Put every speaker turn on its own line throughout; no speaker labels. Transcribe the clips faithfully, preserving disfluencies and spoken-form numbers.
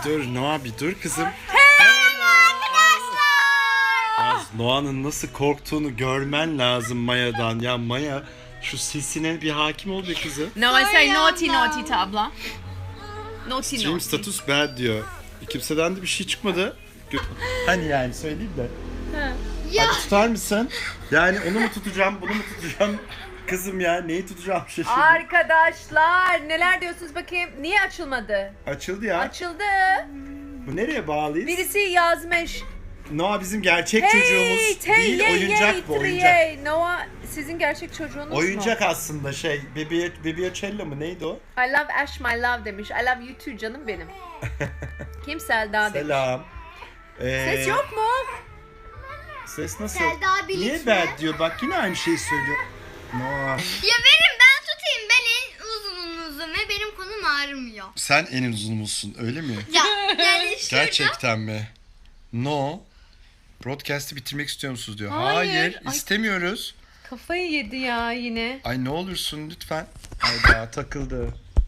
dur Noah bir dur kızım.
Arkadaşlar.
Noah'nın nasıl korktuğunu görmen lazım Maya'dan. Ya Maya şu sesine bir hakim ol be kızım.
No, I say
Sorry,
naughty
abla.
naughty to abla. Naughty
Stream
naughty.
status bad diyor. Kimseden de bir şey çıkmadı. Gö- Hani yani söyleyeyim de.
Ya.
Hadi tutar mısın? Yani onu mu tutacağım, bunu mu tutacağım? Kızım ya neyi tutacağım şaşırdım.
Arkadaşlar neler diyorsunuz bakayım? Niye açılmadı?
Açıldı ya.
Açıldı.
Bu nereye bağlıyız?
Birisi yazmış.
Noah bizim gerçek
Hey,
çocuğumuz
hey,
değil,
hey,
oyuncak
hey,
bu oyuncak.
hey. Noah sizin gerçek çocuğunuz mu?
Oyuncak aslında şey, Bebia, Bebiocello mu neydi o?
I love Ash my love demiş. I love you too canım benim. Kim Selda demiş.
Selam. Ee,
Ses yok mu?
Ses nasıl?
Selda Bilic
Niye
mi?
bad diyor? Bak yine aynı şeyi söylüyor. Noah.
Ya verin ben tutayım. Ben en uzununuzum ve benim konum ağrımıyor.
Sen en uzunumuzsun öyle mi?
Ya yani şurada.
Gerçekten mi? No. Broadcast'i bitirmek istiyor musunuz diyor.
Hayır.
Hayır,
Ay.
istemiyoruz.
Kafayı yedi ya yine.
Ay ne olursun lütfen. Hayda takıldı.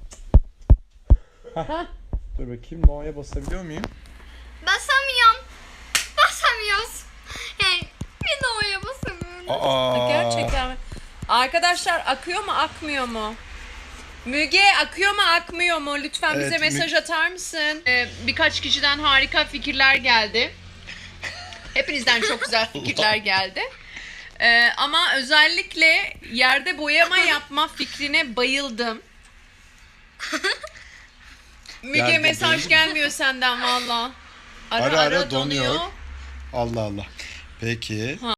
Hah. Dur bakayım No'ya basabiliyor muyum?
Basamıyorum. Basamıyoruz. Yani bir de oraya basamıyorum.
Aa.
Gerçekten mi? Arkadaşlar akıyor mu akmıyor mu? Müge akıyor mu akmıyor mu? Lütfen
Evet,
bize mesaj atar mısın? Ee, birkaç kişiden harika fikirler geldi. Hepinizden çok güzel fikirler geldi. Ee, ama özellikle yerde boyama yapma fikrine bayıldım. Müge
Yerde
mesaj
bayıldım.
gelmiyor senden valla. Ara
Ara
ara,
ara
donuyor.
donuyor. Allah Allah. Peki.
Ha,